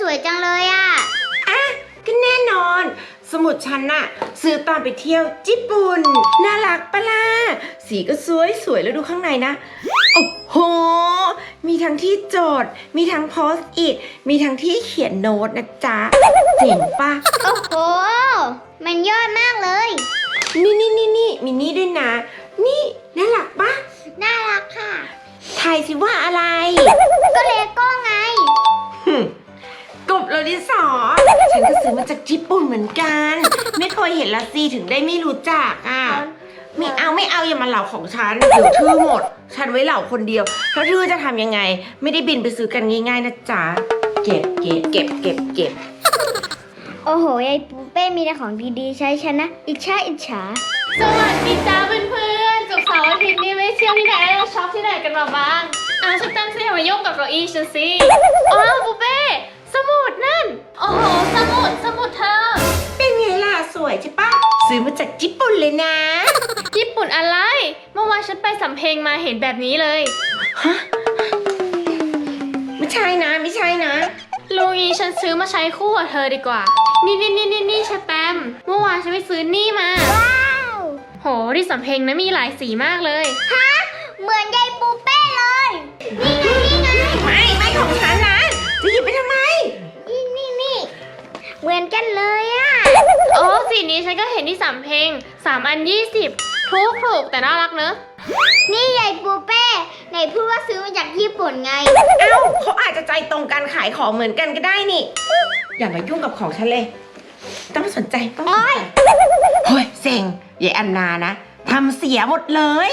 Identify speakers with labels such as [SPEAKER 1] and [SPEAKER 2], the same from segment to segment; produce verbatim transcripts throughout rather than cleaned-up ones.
[SPEAKER 1] วยจังเลยอ่ะ
[SPEAKER 2] อ่ะก็แน่นอนสมุดฉันน่ะซื้อตอนไปเที่ยวญี่ปุ่นน่ารักปะล่ะสีก็สวยสวยแล้วดูข้างในนะโอ้โหมีทั้งที่โจทย์มีทั้งโพสต์อิทมีทั้งที่เขียนโน้ตนะจ๊ะเจ๋งปะ
[SPEAKER 1] โอ้โหมันยอดมากเลย
[SPEAKER 2] นี่นี่นี่นี่มีนี่ด้วยนะนี่น่ารักปะ
[SPEAKER 1] น่ารักค่ะ
[SPEAKER 2] ทายสิว่าอะไร
[SPEAKER 1] ก็เลโก้ไง
[SPEAKER 2] กบโลดิสอฉันก็ซื้อมาจากญี่ปุ่นเหมือนกันไม่เคยเห็นละสิถึงได้ไม่รู้จักอ่ะไม่เอาไม่เอาอย่ามาเหล่าของฉันเดี๋ยวทื่อหมดฉันไว้เหล่าคนเดียวถ้าทื่อจะทำยังไงไม่ได้บินไปซื้อกันง่ายๆนะจ๊ะเก็บเก็บเก็บเก็บเก็บ
[SPEAKER 1] โอ้โหยายปูเป้มีแต่ของดีๆใช้ฉันนะอิจฉาอิจฉา
[SPEAKER 3] สวัสดีจ้าเพื่อนๆศุกร์เสาร์อาทิตย์นี้ไม่เที่ยวที่ไหนเราช็อปที่ไหนกันมาบ้างอ้าวฉันตั้งใจมายุ่งกับเก้าอี้ฉันสิอ๋อปูเป้สมุดนั่นโอ้โหสมุดสมุดเธอ
[SPEAKER 2] เป็นไงล่ะสวยใช่ปะซื้อมาจากญี่ปุ่นเลยนะ
[SPEAKER 3] ญี่ปุ่นอะไรเมื่อวานฉันไปสำเพ็งมาเห็นแบบนี้เลย
[SPEAKER 2] ฮะไม่ใช่นะไม่ใช่นะ
[SPEAKER 3] ลุงนี้ฉันซื้อมาใช้คู่กับเธอดีกว่านี่นี่นี่นี่นี่ชแตมเมื่อวานฉันไปซื้อนี่มา
[SPEAKER 1] ว้าว
[SPEAKER 3] โหที่สำเพ็งนะมีหลายสีมากเลย
[SPEAKER 1] ฮะเหมือนยายปูเป้เลยนี่ไงนี่ไง
[SPEAKER 2] ไม่ไม่ของฉันนะจะหยิบไปทำไม
[SPEAKER 1] นี่นี่นี่เหมือนกันเลยอ่ะ
[SPEAKER 3] โอ้สีนี้ฉันก็เห็นที่สำเพ็งสามอันยี่สิบถูกถูกแต่น่ารักเนอะ
[SPEAKER 1] นี่ยายปูเป้ไหนพูดว่าซื้อมาจากญี่ปุ่นไง
[SPEAKER 2] เอ้าเขาอาจจะใจตรงกันขายของเหมือนกันก็ได้นี่อย่ามายุ่งกับของฉันเลยต้องสนใจต้องสนใจเฮ้ยเซ็งยายอันนานะทำเสียหมดเลย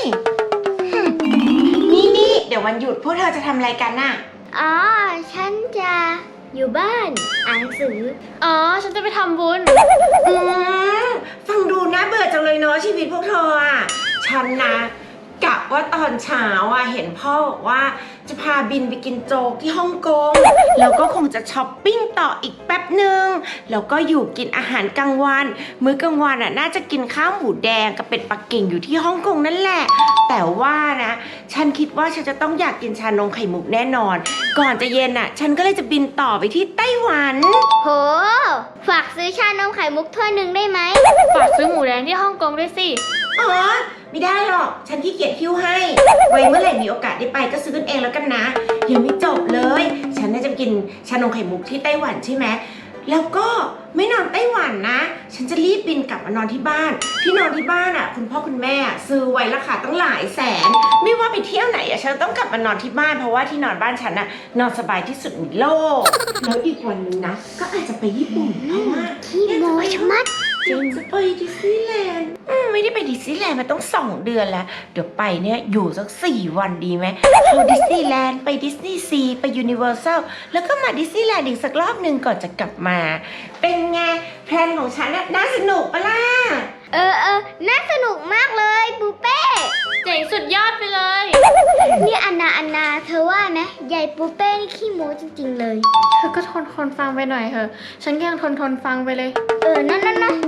[SPEAKER 2] นี่นี่เดี๋ยววันหยุดพวกเธอจะทำอะไรกันน่ะ
[SPEAKER 1] อ๋อฉันจะอยู่บ้านอ่านหนังสือ
[SPEAKER 3] อ๋อฉันจะไปทำบุญ
[SPEAKER 2] อืมฟังดูน่าเบื่อจังเลยเนาะชีวิตพวกเธออ่ะฉันนะกะว่าตอนเช้าอ่ะเห็นพ่อบอกว่าจะพาบินไปกินโจ๊กที่ฮ่องกงแล้วก็คงจะช้อปปิ้งต่ออีกแป๊บหนึ่งแล้วก็อยู่กินอาหารกลางวันมื้อกลางวันอ่ะน่าจะกินข้าวหมูแดงกับเป็ดปักกิ่งอยู่ที่ฮ่องกงนั่นแหละแต่ว่านะฉันคิดว่าฉันจะต้องอยากกินชานมไข่มุกแน่นอนก่อนจะเย็นอ่ะฉันก็เลยจะบินต่อไปที่ไต้หวัน
[SPEAKER 1] โหฝากซื้อชานมไข่มุกถ้วยหนึ่งได้ไหม
[SPEAKER 3] ฝากซื้อหมูแดงที่ฮ่องกงด้วยสิ
[SPEAKER 2] อ๋อไม่ได้หรอกฉันขี้เกียจหิ้วให้ไว้เมื่อไหร่มีโอกาสได้ไปก็ซื้อกันเองแล้วกันนะยังไม่จบเลยฉันน่าจะกินชานมไข่มุกที่ไต้หวันใช่ไหมแล้วก็ไม่นอนไต้หวันนะฉันจะรีบบินกลับมานอนที่บ้านที่นอนที่บ้านอ่ะคุณพ่อคุณแม่ซื้อไว้ราคาตั้งหลายแสนไม่ว่าไปเที่ยวไหนอ่ะฉันต้องกลับมานอนที่บ้านเพราะว่าที่นอนบ้านฉันน่ะนอนสบายที่สุดในโลกแล้วอีกวันนึงนะก็อาจจะไปญี่ปุ่นเพราะว่า
[SPEAKER 1] ที่โมชมัด
[SPEAKER 2] จริงจะไปดิสนีย์แลนด์ไม่ได้ไปดิสนีย์แลนด์มาต้องสองเดือนแล้วเดี๋ยวไปเนี่ยอยู่สักสี่วันดีไหมเข้าดิสนีย์แลนด์ไปดิสนีย์ซีไปยูนิเวอร์แซลแล้วก็มาดิสนีย์แลนด์อีกสักรอบหนึ่งก่อนจะกลับมาเป็นไงแพลนของฉันน่ะน่าสนุกปะล่ะ
[SPEAKER 1] เออเออน่าสนุกมากเลยปูเป้
[SPEAKER 3] เจ๋งสุดยอดไปเลย
[SPEAKER 1] นี่อันนาอันนาเธอว่านะยายปูเป้นี่ขี้โม้จริงๆเลย
[SPEAKER 3] เธอก็ทนทนฟังไปหน่อยเถอะฉันก็ยังทนทนฟังไปเลย
[SPEAKER 1] เออนั่นนั่นนะ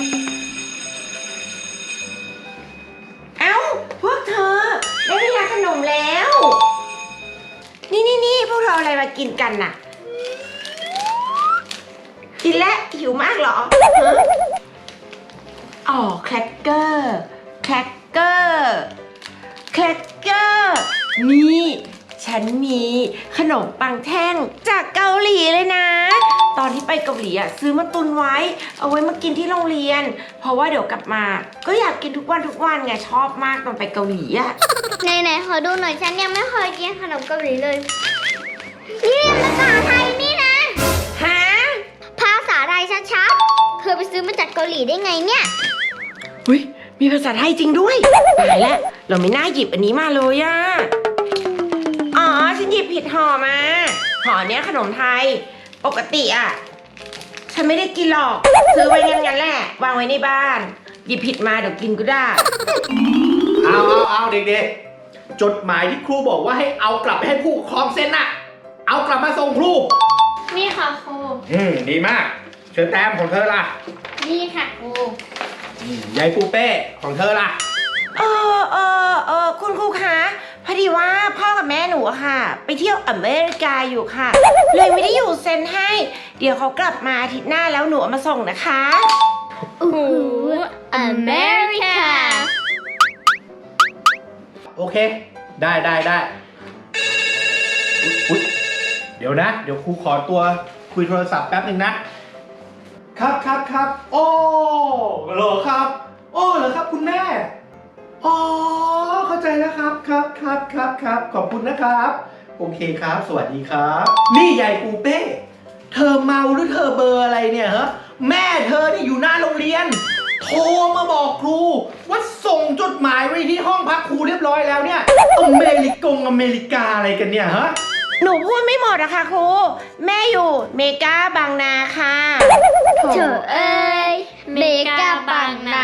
[SPEAKER 2] เอ้าพวกเธอได้เวลาขนมแล้วนี่นี่นี่พวกเราอะไรมากินกันน่ะกินแล้วหิวมากเหรออ๋อแครกเกอร์แครกเกอร์แครกเกอร์นี่ฉันมีขนมปังแท่งจากเกาหลีเลยนะตอนที่ไปเกาหลีอ่ะซื้อมาตุนไว้เอาไว้มากินที่โรงเรียนเพราะว่าเดี๋ยวกลับมาก็อยากกินทุกวันทุกวันไงชอบมากตอนไปเกาหลีอ่ะ
[SPEAKER 1] ไหนไหนขอดูหน่อยฉันยังไม่เคยกินขนมเกาหลีเลยนี่ภาษาไทยนี่นะ
[SPEAKER 2] ฮะ
[SPEAKER 1] ภาษาไทยชัดๆเธอไปซื้อมาจากเกาหลีได้ไงเนี่ย
[SPEAKER 2] อุ้ยมีภาษาไทยจริงด้วยตายแล้วเราไม่น่าหยิบอันนี้มาเลยอ่ะอ๋อฉันหยิบผิดห่อมาห่อเนี้ยขนมไทยปกติอ่ะฉันไม่ได้กินหรอกซื้อไว้งั้นๆแหละวางไว้ในบ้านหยิบผิดมาเดี๋ยวกินก็ได้
[SPEAKER 4] เอาเอาเอาเด็กๆจดหมายที่ครูบอกว่าให้เอากลับไปให้ผู้ปกครองเซ็นน่ะเอากลับมาส่งครู
[SPEAKER 3] นี่ค่ะครู
[SPEAKER 4] อืมดีมากเชิญแต้มของเธอล่ะ
[SPEAKER 3] นี่ค่ะครู
[SPEAKER 4] ยายปูเป้ของเธอล่ะ
[SPEAKER 2] เออเออเออคุณครูคะพอดีว่าพ่อกับแม่หนูอะค่ะ ไปเที่ยวอเมริกาอยู่ค่ะ เลยไม่ได้อยู่เซ็นให้ เดี๋ยวเขากลับมาอาทิตย์หน้าแล้วหนูเอามาส่งนะคะ
[SPEAKER 3] โอ้โหอเมริกา
[SPEAKER 4] โอเค ได้ได้ได้อุ๊ยอุ๊ยเดี๋ยวนะ เดี๋ยวครูขอตัวคุยโทรศัพท์แป๊บหนึ่งนะ ครับครับครับ โอ้เหรอครับ โอ้เหรอครับคุณแม่ อ๋อ เข้าใจแล้วครับครับครับครับครับขอบคุณนะครับ โอเคครับ สวัสดีครับ นี่ยายปูเป้ เธอเมาหรือเธอเบอร์อะไรเนี่ยฮะ แม่เธอเนี่ยอยู่หน้าโรงเรียน โทรมาบอกครูว่าส่งจดหมายไว้ที่ห้องพักครูเรียบร้อยแล้วเนี่ย อเมริกงอเมริกาอะไรกันเนี่ยฮะ
[SPEAKER 2] หนูพูดไม่หมดอะค่ะครู แม่อยู่เมกาบางนาค่ะ
[SPEAKER 1] เถอะเอ้ยเมกาบางนา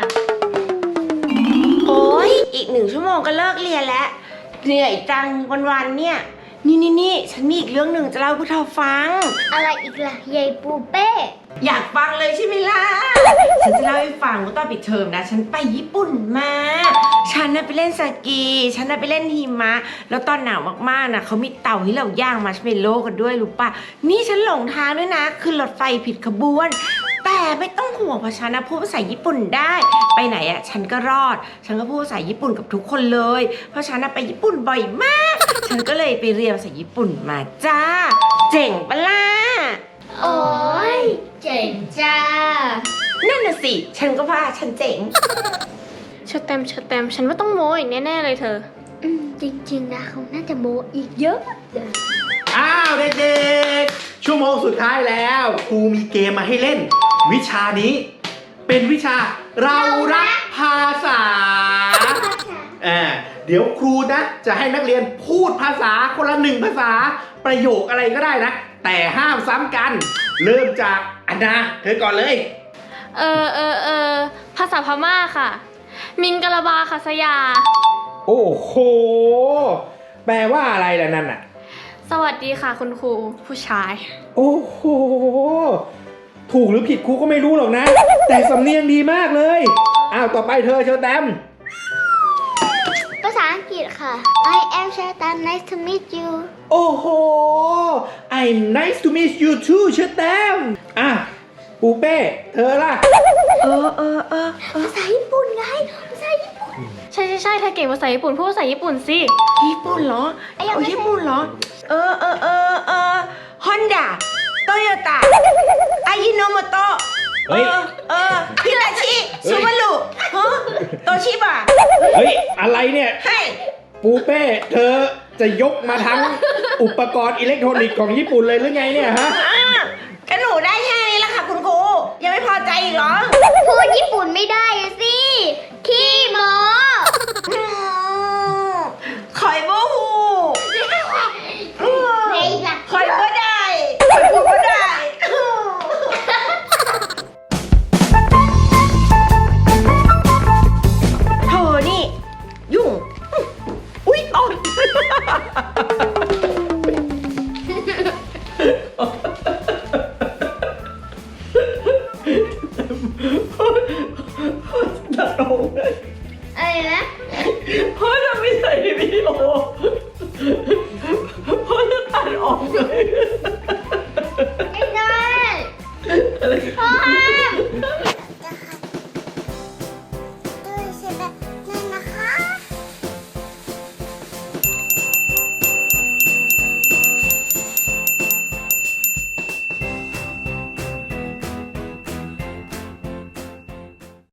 [SPEAKER 2] โอ้ยอีกหนึ่งชั่วโมงก็เลิกเรียนแล้ว เหนื่อยจังวันๆเนี่ย นี่นี่นี่ฉันมีอีกเรื่องหนึ่งจะเล่าให้พวกเธอฟัง
[SPEAKER 1] อะไรอีกล่ะยายปูเป้
[SPEAKER 2] อยากฟังเลยใช่ไหมล่ะ ฉันจะเล่าให้ฟังว่าตอนปิดเทอมนะ ฉันไปญี่ปุ่นมา ฉันน่ะไปเล่นสกี ฉันน่ะไปเล่นหิมะ แล้วตอนหนาวมากๆนะเขามีเตาให้เราย่างมาร์ชเมลโล่กันด้วยรู้ปะนี่ฉันหลงทางด้วยนะขึ้นรถไฟผิดขบวน แต่ไม่ต้องห่วงเพราะฉันนะพูดภาษาญี่ปุ่นได้ ไปไหนอะฉันก็รอด ฉันก็พูดภาษาญี่ปุ่นกับทุกคนเลย เพราะฉันนะไปญี่ปุ่นบ่อยมาก ฉันก็เลยไปเรียนภาษาญี่ปุ่นมาจ้า เจ๋งปะล่ะ
[SPEAKER 1] โอ้ยเจ๋งจ้า
[SPEAKER 2] นั่นน่ะสิ ฉันก็ว่าฉันเจ๋ง
[SPEAKER 3] ชดแตมชดแตมฉันว่าต้องโมอีกแน่ๆเลยเธอ
[SPEAKER 1] อืมจริงๆนะเขาน่าจะโมอีกเยอะเลย
[SPEAKER 4] อ้าวเด็กๆ ชั่วโมงสุดท้ายแล้วครูมีเกมมาให้เล่น วิชานี้ เป็นวิชาเรารักภาษาอ่าเดี๋ยวครูนะ จะให้นักเรียนพูดภาษาคนละหนึ่งภาษาประโยคอะไรก็ได้นะ แต่ห้ามซ้ำกัน เริ่มจากอันนาเธอก่อนเลย
[SPEAKER 3] เออเออเออภาษาพม่าค่ะ มิงกะลาบาคัสยา
[SPEAKER 4] โอ้โห แปลว่าอะไรล่ะนั่นน่ะ
[SPEAKER 3] สวัสดีค่ะคุณครูผู้ชาย
[SPEAKER 4] โอ้โห ถูกหรือผิดครูก็ไม่รู้หรอกนะ แต่สำเนียงดีมากเลย อ้าวต่อไปเธอเชอแตม
[SPEAKER 1] ภาษาอังกฤษค่ะ I am Shatan nice to meet you
[SPEAKER 4] โอ้โห I'm nice to meet you too เชอแตมอ่ะปูเป้เธอล่ะ
[SPEAKER 2] เออเออเออ
[SPEAKER 1] ภาษาญี่ปุ่นไง ภาษาญี่ปุ่น
[SPEAKER 3] ใช่ใช่ใช่เธอเก่งภาษาญี่ปุ่นพูดภาษาญี่ปุ่นสิ
[SPEAKER 2] ญี่ปุ่นเหรอ
[SPEAKER 1] ไอ้ยัง
[SPEAKER 2] เอา
[SPEAKER 1] ไม่
[SPEAKER 2] ญี่ปุ่นเหรอ เออเออเออเออฮอนด้าโตโยต้าอายิโนโมโตะ
[SPEAKER 4] เฮ้
[SPEAKER 2] เอย อเออฮิตาชิซูบารุฮะโตชิบะ
[SPEAKER 4] เฮ้ย อะไรเนี่ย
[SPEAKER 2] ให้
[SPEAKER 4] ปูเป้ เธอจะยกมาทั้งอุปกรณ์อิเล็กทรอนิกส์ของญี่ปุ่นเลยหรือไงเนี่ยฮะ
[SPEAKER 2] อ่ะก็หนูได้แค่นี้แหละค่ะคุณครู ยังไม่พอใจอีกเหรอ
[SPEAKER 1] พูดญี่ปุ่นไม่ได้อะสิ ขี้โม
[SPEAKER 2] อืมคอยโบฮูอืม
[SPEAKER 1] ไอ้ล่ะ
[SPEAKER 2] คอยบ่ได้คอยพูดบ่ได้อืมโถนี่ ยุ่ง อุ๊ยตอน